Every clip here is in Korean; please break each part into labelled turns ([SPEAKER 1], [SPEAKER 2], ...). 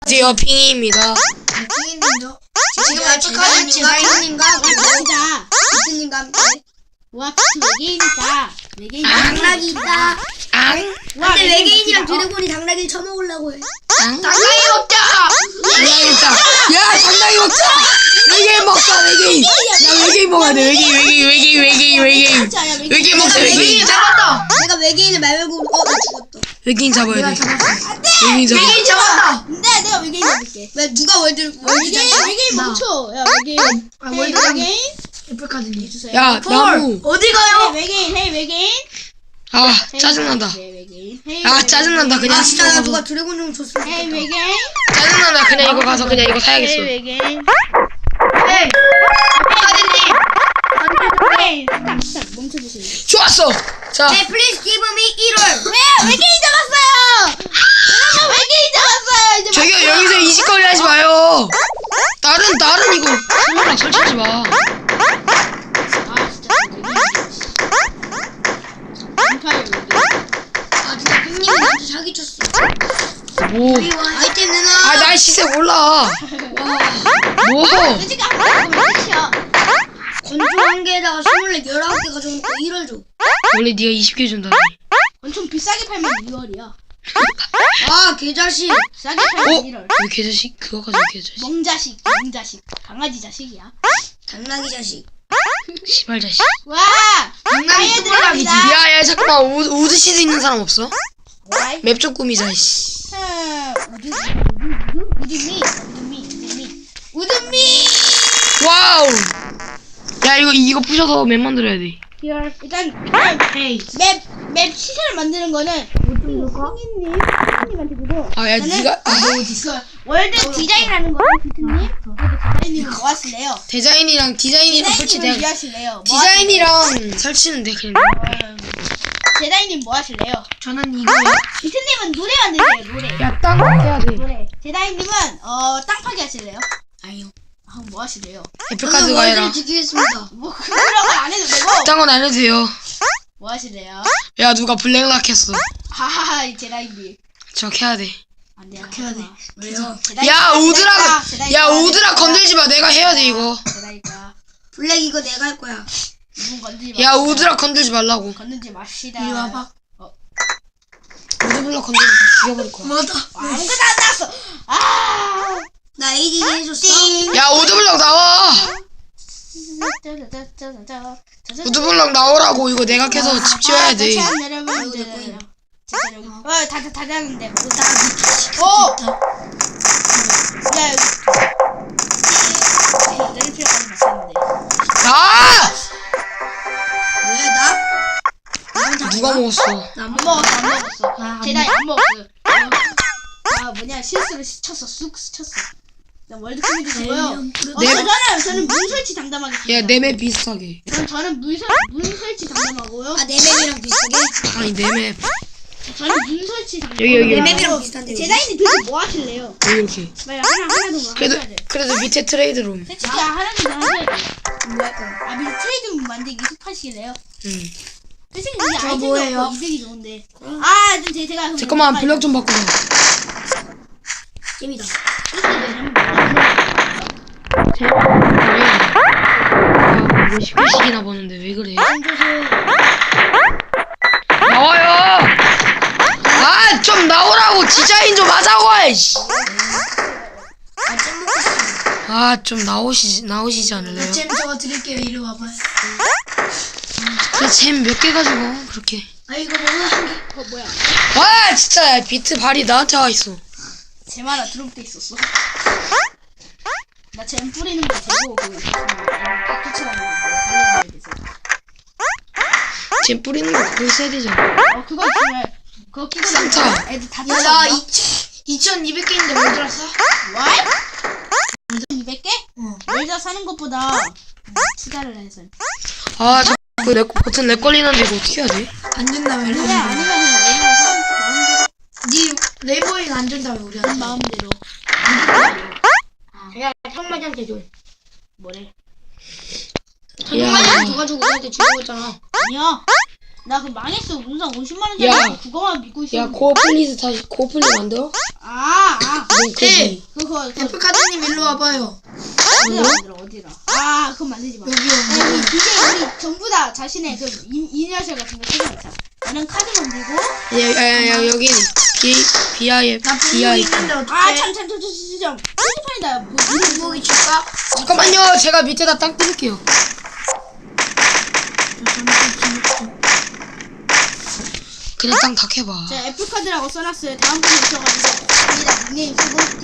[SPEAKER 1] 안녕하세요, 핑이입니다.
[SPEAKER 2] 핑이님도
[SPEAKER 3] 지금 알파카님과 핑이님과
[SPEAKER 2] 같이다.
[SPEAKER 3] 비트님과 함께
[SPEAKER 2] 와, 외계인이다. 외계인
[SPEAKER 3] 당나귀 있다.
[SPEAKER 1] 앙?
[SPEAKER 2] 와,
[SPEAKER 3] 근데 외계인이랑
[SPEAKER 2] 멋지다.
[SPEAKER 3] 드래곤이 당나귀를 쳐먹으려고 해.
[SPEAKER 1] 앙?
[SPEAKER 3] 당나귀 먹자!
[SPEAKER 1] 당나귀 먹자. 야, 당나귀 먹자. 외계인 먹자, 외계인. 야, 외계인 먹어야 돼. 외계인 먹자, 외계인.
[SPEAKER 3] 잡았다! 내가 외계인을 말고 나 죽었다.
[SPEAKER 1] 외계인 잡아야 돼.
[SPEAKER 2] 안 돼!
[SPEAKER 1] 외계인 잡아.
[SPEAKER 3] 외계인 잡았다!
[SPEAKER 2] 근데 내가 외계인 잡을게.
[SPEAKER 3] 왜 누가
[SPEAKER 2] 외계인 멈춰. 야, 외계인. 헤이, 외계인.
[SPEAKER 3] 애플카드님
[SPEAKER 2] 주세요.
[SPEAKER 1] 야, 나무.
[SPEAKER 3] 어디 가요?
[SPEAKER 2] 헤이, 외계인.
[SPEAKER 1] 아, 짜증난다.
[SPEAKER 2] 헤이, 외계인. 헤이,
[SPEAKER 1] 아, 짜증난다. 그냥
[SPEAKER 3] 아 진짜 나
[SPEAKER 1] 시청하고.
[SPEAKER 3] 누가 드래곤 좀 줬으면
[SPEAKER 2] 헤이,
[SPEAKER 3] 좋겠다.
[SPEAKER 2] 외계인.
[SPEAKER 1] 짜증난다. 그냥 이거 가서 그냥 이거
[SPEAKER 2] 헤이,
[SPEAKER 1] 사야겠어.
[SPEAKER 2] 외계인.
[SPEAKER 3] 헤이! 카드님!
[SPEAKER 2] 헤이, 스탑, 멈춰주세요.
[SPEAKER 1] 좋았어. 자,
[SPEAKER 3] 네 플리즈 기브 미 1월!
[SPEAKER 2] 왜? 외계인 잡았어요! 여러분, 외계인 잡았어요! 이제
[SPEAKER 1] 저기요,
[SPEAKER 2] 맞죠?
[SPEAKER 1] 여기서 이직거리 하지 마요. 다른 이거 설명랑 설치하지 마.
[SPEAKER 2] 아, 진짜 외계인.
[SPEAKER 3] 아 진짜 핑님이 나한테 사기쳤어.
[SPEAKER 1] 뭐?
[SPEAKER 3] 아이템 내놔!
[SPEAKER 1] 아, 날 시세 몰라. 뭐?
[SPEAKER 2] 솔직히 한 번만 끝이야.
[SPEAKER 3] 건조 한 개에다가 24, 19개 가져오니까 1월 줘.
[SPEAKER 1] 원래 네가 20개 준다니.
[SPEAKER 2] 엄청 비싸게 팔면 2월이야.
[SPEAKER 3] 아 개자식!
[SPEAKER 2] 싸게 팔면
[SPEAKER 1] 어?
[SPEAKER 2] 1월.
[SPEAKER 1] 왜 개자식? 그거 가지고 개자식.
[SPEAKER 2] 멍자식, 강아지 자식이야.
[SPEAKER 3] 당나귀 자식.
[SPEAKER 1] 시발 자식.
[SPEAKER 2] 와!
[SPEAKER 3] 당나귀
[SPEAKER 2] 아예
[SPEAKER 3] 똥꼬락이지.
[SPEAKER 2] 들어갑니다.
[SPEAKER 1] 야, 잠깐만. 우드시드 있는 사람 없어?
[SPEAKER 2] 와이.
[SPEAKER 1] 맵 좀 꾸미자, 씨.
[SPEAKER 2] 우드미.
[SPEAKER 1] 와우. 야, 이거 부셔서 맵 만들어야 돼.
[SPEAKER 2] 일단 맵 시세를 만드는 거는 핑이님한테 주고.
[SPEAKER 1] 아, 야, 네가
[SPEAKER 2] 월드 디자인하는 거는 비트님. 디자인님은 뭐 하실래요?
[SPEAKER 1] 디자인이랑
[SPEAKER 2] 디자인님은
[SPEAKER 1] 설치돼.
[SPEAKER 2] 뭐 하실래요?
[SPEAKER 1] 디자인이랑 설치는 돼, 그냥.
[SPEAKER 2] 제다이님 뭐 하실래요?
[SPEAKER 3] 저는 이거요.
[SPEAKER 2] 비트님은 노래 만드세요. 노래.
[SPEAKER 1] 야, 땅 해야 돼.
[SPEAKER 2] 노래. 제다이님은 땅 파기 하실래요?
[SPEAKER 3] 아니요.
[SPEAKER 2] 뭐 하실래요?
[SPEAKER 1] 애플카드가 해라.
[SPEAKER 3] 월드를 지키겠습니다.
[SPEAKER 2] 뭐 그런 건 안 해도 되고.
[SPEAKER 1] 딴 건 안 해도 돼요.
[SPEAKER 2] 뭐 하실래요?
[SPEAKER 1] 야, 누가 블랙락 했어.
[SPEAKER 2] 하하하 제다이님.
[SPEAKER 1] 저 해야 돼.
[SPEAKER 2] 안 돼요.
[SPEAKER 3] 해야 돼. 왜요?
[SPEAKER 1] 야, 우드락 건들지 마. 내가 해야 돼, 이거.
[SPEAKER 2] 제다이가
[SPEAKER 3] 블랙 이거 내가 할 거야.
[SPEAKER 2] 누군 건들지 마.
[SPEAKER 1] 야, 우드락 건들지 말라고.
[SPEAKER 2] 건들지 맙시다.
[SPEAKER 3] 이리 와봐.
[SPEAKER 1] 우드블럭 건들면 다 죽여버릴 거야.
[SPEAKER 3] 맞아.
[SPEAKER 2] 아무것도 안 나왔어. 아.
[SPEAKER 3] 나 AD 해줬어.
[SPEAKER 1] 야, 우드블럭 나와. 우드블럭 나오라고. 이거 내가 캐서 집 지어야 돼.
[SPEAKER 2] 여러분들. 진짜 여기. 다 되는데 못 다.
[SPEAKER 3] 어!
[SPEAKER 2] 야. 내릴 필요까지 맞췄는데.
[SPEAKER 1] 아!
[SPEAKER 3] 왜 나?
[SPEAKER 1] 누가 먹었어?
[SPEAKER 2] 안 먹었어.
[SPEAKER 3] 안
[SPEAKER 2] 제다이 안 먹었어요. 실수를 쳤어. 쑥 쳤어. 일단 월드 컴퓨터 주고요. 저는 문 설치 담당하겠습니다.
[SPEAKER 1] 야, 내맵 비슷하게.
[SPEAKER 2] 저는 문 설치 담당하고요.
[SPEAKER 3] 아, 내 맵이랑 비슷하게?
[SPEAKER 1] 아니, 내맵.
[SPEAKER 2] 저는 문 설치 담당.
[SPEAKER 1] 여기.
[SPEAKER 3] 내 맵이랑 비슷한데.
[SPEAKER 2] 제다이님 도대체 뭐 하실래요?
[SPEAKER 1] 이렇게.
[SPEAKER 2] 빨리 하나 더 하셔야 돼.
[SPEAKER 1] 그래도 밑에 트레이드룸.
[SPEAKER 2] 진짜 하나 더 하셔야 돼.
[SPEAKER 3] 뭐 할 거야?
[SPEAKER 2] 아 밑에 트레이드 만들기 습하시길래요?
[SPEAKER 1] 응.
[SPEAKER 2] 솔직히 이 아이템도
[SPEAKER 3] 뭐예요?
[SPEAKER 2] 없고 이득이 좋은데. 아, 좀 제가 그럼
[SPEAKER 1] 잠깐만, 블럭 좀 바꾸자.
[SPEAKER 3] 재미다.
[SPEAKER 1] 왜 19시기나 보는데 왜 그래? 나와요! 아, 좀 나오라고! 디자인 좀 하자고! 이씨.
[SPEAKER 3] 아, 잼 먹고 싶어.
[SPEAKER 1] 아, 좀 나오시지 않을래요?
[SPEAKER 3] 잼 저거 드릴게요. 이리 와봐요.
[SPEAKER 1] 그래, 잼 몇 개 가지고, 그렇게.
[SPEAKER 3] 아, 이거 먹어 한 개.
[SPEAKER 2] 뭐야?
[SPEAKER 1] 와, 진짜, 비트 발이 나한테 와 있어.
[SPEAKER 2] 제 말아 드롭돼 있었어. 나 잼 뿌리는 거 재고 그거 있었으면 깍두치라는 건데 돼서.
[SPEAKER 1] 잼 뿌리는 거 그거 있어야 되잖아.
[SPEAKER 2] 그거 있으면 그거 끼고
[SPEAKER 1] 상처.
[SPEAKER 2] 나면 애들 다
[SPEAKER 3] 야, 나
[SPEAKER 2] 쫓아온다.
[SPEAKER 3] 2200개인데 뭐 들었어?
[SPEAKER 2] What? 200개?
[SPEAKER 3] 응.
[SPEAKER 2] 월자 사는 것보다 투자를 해서.
[SPEAKER 1] 아, 자꾸 버튼 렉 걸리는데 이거 어떻게 해야 돼?
[SPEAKER 3] 안 준다며.
[SPEAKER 2] 아니면 월자 사는 거 마음대로.
[SPEAKER 3] 니 레이버잉 안 준다며 우리한테.
[SPEAKER 2] 마음대로.
[SPEAKER 3] 야, 청마장한테 줘.
[SPEAKER 2] 뭐래?
[SPEAKER 3] 청마장 줘가지고 우리한테 주는 거잖아.
[SPEAKER 2] 아니야. 나 그 망했어. 운상 50만
[SPEAKER 1] 야.
[SPEAKER 2] 원짜리 그거만 믿고 있어.
[SPEAKER 1] 야 코어플리즈 다시 코어플리 만들어?
[SPEAKER 2] 네.
[SPEAKER 1] 그거
[SPEAKER 2] 그거
[SPEAKER 3] 에프카드님 일로 와봐요.
[SPEAKER 2] 어디다 만들어 어디다. 그건 만들지 마.
[SPEAKER 3] 여기요.
[SPEAKER 2] 아니, 이제 우리 전부 다 자신의 그 이니셜 같은 거 찾아놓자. 나는 카드 만들고.
[SPEAKER 1] 야 여기 BIF
[SPEAKER 3] 나 분무기 있는데 어떡해?
[SPEAKER 2] 참. 표지판이다. 뭐
[SPEAKER 3] 분무기 줄까?
[SPEAKER 1] 잠깐만요 제가 밑에다 땅 뜯을게요. 그냥 땅 다 캐봐.
[SPEAKER 2] 제가 F 카드라고 써놨어요. 다음 분이 오셔가지고 여기다 닉네임 쓰고 이거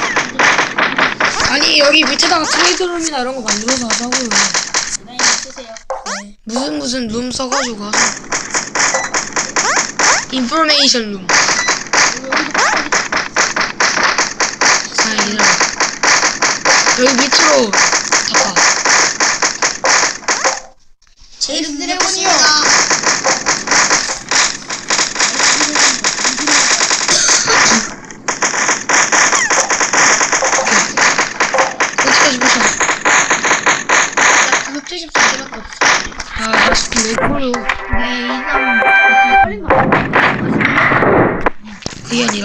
[SPEAKER 1] 아니 여기 밑에다가 트레이드룸이나 이런 거 만들어서 하자고요.
[SPEAKER 2] 닉네임 쓰세요.
[SPEAKER 1] 무슨 룸 써가지고 하자. 인포메이션 룸. 얘들아 여기 밑으로 닦아.
[SPEAKER 3] 제 이름
[SPEAKER 2] 드래곤이요.
[SPEAKER 1] 어디까지 보자.
[SPEAKER 3] 그거 표시 밖에밖에 없어.
[SPEAKER 1] 아 진짜 왜 그래요. 그게 아니라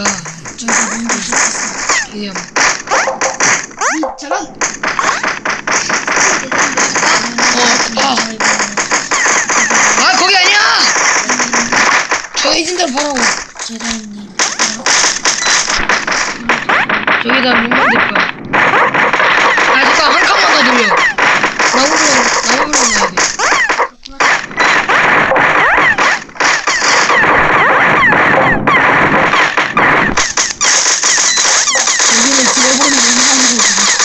[SPEAKER 1] 이게
[SPEAKER 2] 저런
[SPEAKER 1] 거기 아니야. 저 있는 대로 보라고.
[SPEAKER 3] 제다님.
[SPEAKER 1] 저기다 룸 만들 거야. 잠깐 한 칸만 더 돌려. 나무블럭 넣어야 돼. 여기는 드래곤이 인상이고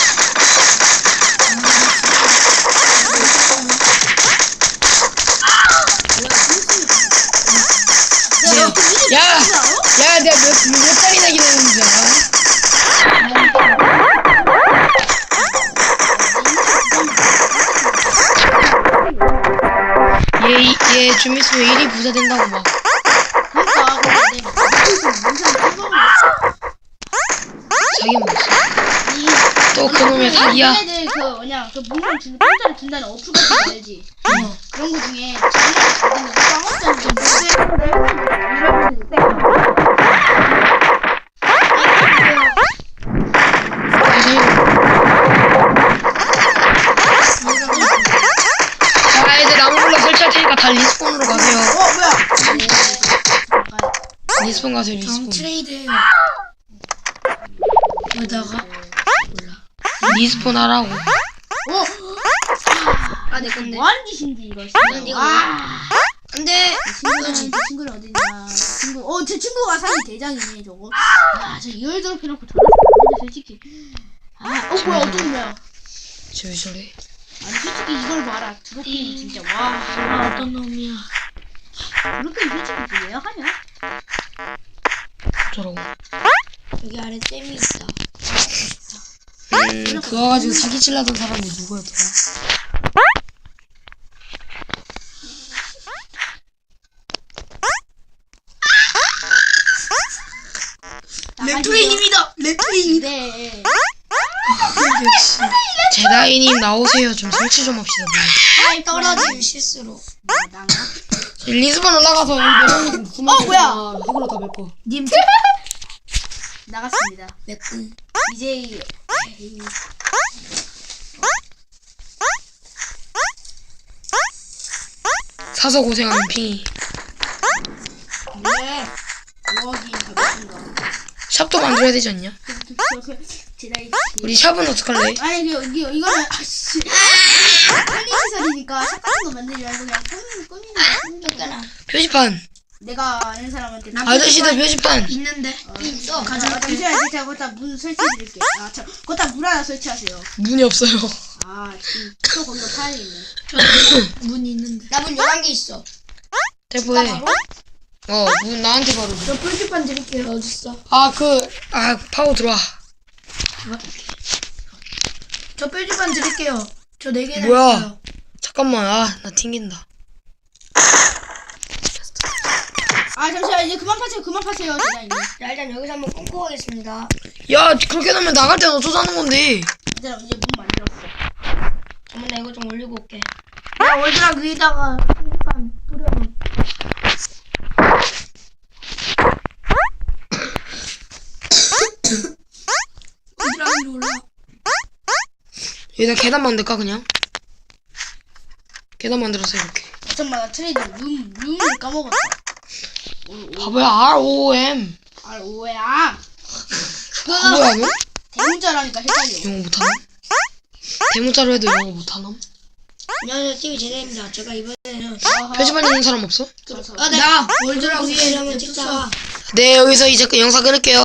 [SPEAKER 1] 야 내가 몇 살이나 기다렸는지 알아? 얘 좀 있으면 일이 부자 된다고 막.
[SPEAKER 2] 그러니까 근데
[SPEAKER 1] 자기 먹었어. 또 그놈의 사기야.
[SPEAKER 2] 얘네들 그 뭐냐 그 문상 공짜로 준다는 어플 같은 거 알지? 그런 거 중에 자기가 받는 거 빵원짜리
[SPEAKER 1] 자 이제 나무블럭 설치할 테니까 다 리스폰으로 가세요.
[SPEAKER 2] 뭐야?
[SPEAKER 1] 리스폰 가세요
[SPEAKER 3] 정
[SPEAKER 1] 리스폰.
[SPEAKER 3] 트레이드해요. 여기다가
[SPEAKER 1] 리스폰 하라고.
[SPEAKER 3] 내 건데.
[SPEAKER 2] 뭐하는 짓인지 이거.
[SPEAKER 3] 이거.
[SPEAKER 2] 근데 친구는 어디냐? 제 친구가 사는 대장이네 저거. 저 이월 더럽혀놓고 저러면 안 되는데 솔직히. 뭐야 어떤 거야?
[SPEAKER 1] 왜 저래?
[SPEAKER 2] 아니 솔직히 이걸 봐라. 드롭핑 진짜 와.
[SPEAKER 3] 어떤 놈이야?
[SPEAKER 2] 드롭핑 솔직히 왜 하냐?
[SPEAKER 1] 저러고.
[SPEAKER 3] 여기 아래 댐이 있다.
[SPEAKER 1] 그거 가지고 사기치려던 사람이 누구였더라?
[SPEAKER 3] 랩트레인입니다. 랩트레인.
[SPEAKER 2] 네.
[SPEAKER 1] 제다이님 나오세요. 좀 설치 좀 합시다. 뭐.
[SPEAKER 3] 떨어진 실수로.
[SPEAKER 2] 나가.
[SPEAKER 1] 리스폰 올라가서 여기
[SPEAKER 2] 뭐야?
[SPEAKER 1] 흙으로 다 메꿔.
[SPEAKER 3] 님
[SPEAKER 2] 나갔습니다.
[SPEAKER 3] 맥군.
[SPEAKER 2] 이제
[SPEAKER 1] 사서 고생하는 핑이.
[SPEAKER 2] 네. 5억이 가겠습니다.
[SPEAKER 1] 샵도 만들어야 되지 않냐?
[SPEAKER 2] 제다이
[SPEAKER 1] 우리 샵은 어떡할래?
[SPEAKER 2] 아니 이거는 아씨 편의시설이니까 샵 같은 거 만들지 말고 그냥 꾸미는 거.
[SPEAKER 3] 거.
[SPEAKER 1] 내가
[SPEAKER 2] 아는 사람한테
[SPEAKER 1] 아저씨들 표지판.
[SPEAKER 3] 있는데. 있어.
[SPEAKER 2] 잠시만요. 제가 거기다 문 설치해드릴게요. 거기다 문 하나 설치하세요.
[SPEAKER 1] 문이 없어요.
[SPEAKER 2] 지금 또 거기서 파야겠네.
[SPEAKER 3] 문 있는데. 나 문 11개 있어.
[SPEAKER 1] 대포해. 문 나한테 바로 줘.
[SPEAKER 3] 저 표지판 드릴게요. 어딨어?
[SPEAKER 1] 파워 들어와.
[SPEAKER 3] 저 표지판 드릴게요. 저 4개나
[SPEAKER 1] 뭐야?
[SPEAKER 3] 있어요.
[SPEAKER 1] 잠깐만. 나 튕긴다.
[SPEAKER 2] 잠시만 이제 그만 파세요 제다이.
[SPEAKER 3] 자, 일단 여기서 한번 끊고 가겠습니다.
[SPEAKER 1] 야, 그렇게 놓으면 나갈 땐 어쩌자는 건데?
[SPEAKER 2] 얘들아 이제 문 만들었어.
[SPEAKER 3] 잠깐만 나 이거 좀 올리고 올게. 야, 월드락 위에다가 표지판 뿌려.
[SPEAKER 1] 여기다 계단 만들까 그냥? 계단 만들어서 이렇게.
[SPEAKER 2] 잠깐만 나 트레이드 룸을 까먹었어.
[SPEAKER 1] 바보야 ROM.
[SPEAKER 2] 오야.
[SPEAKER 1] 바보야 너?
[SPEAKER 2] 대문자라니까 헷갈려.
[SPEAKER 1] 영어 못하나? 대문자로 해도 영어 못하나?
[SPEAKER 3] 안녕하세요, TV 제대입니다. 제가 이번에는
[SPEAKER 1] 표지판 있는 사람 없어?
[SPEAKER 3] 나 월드락 위에 한번 찍다가
[SPEAKER 1] 네 여기서 이제 영상 끊을게요.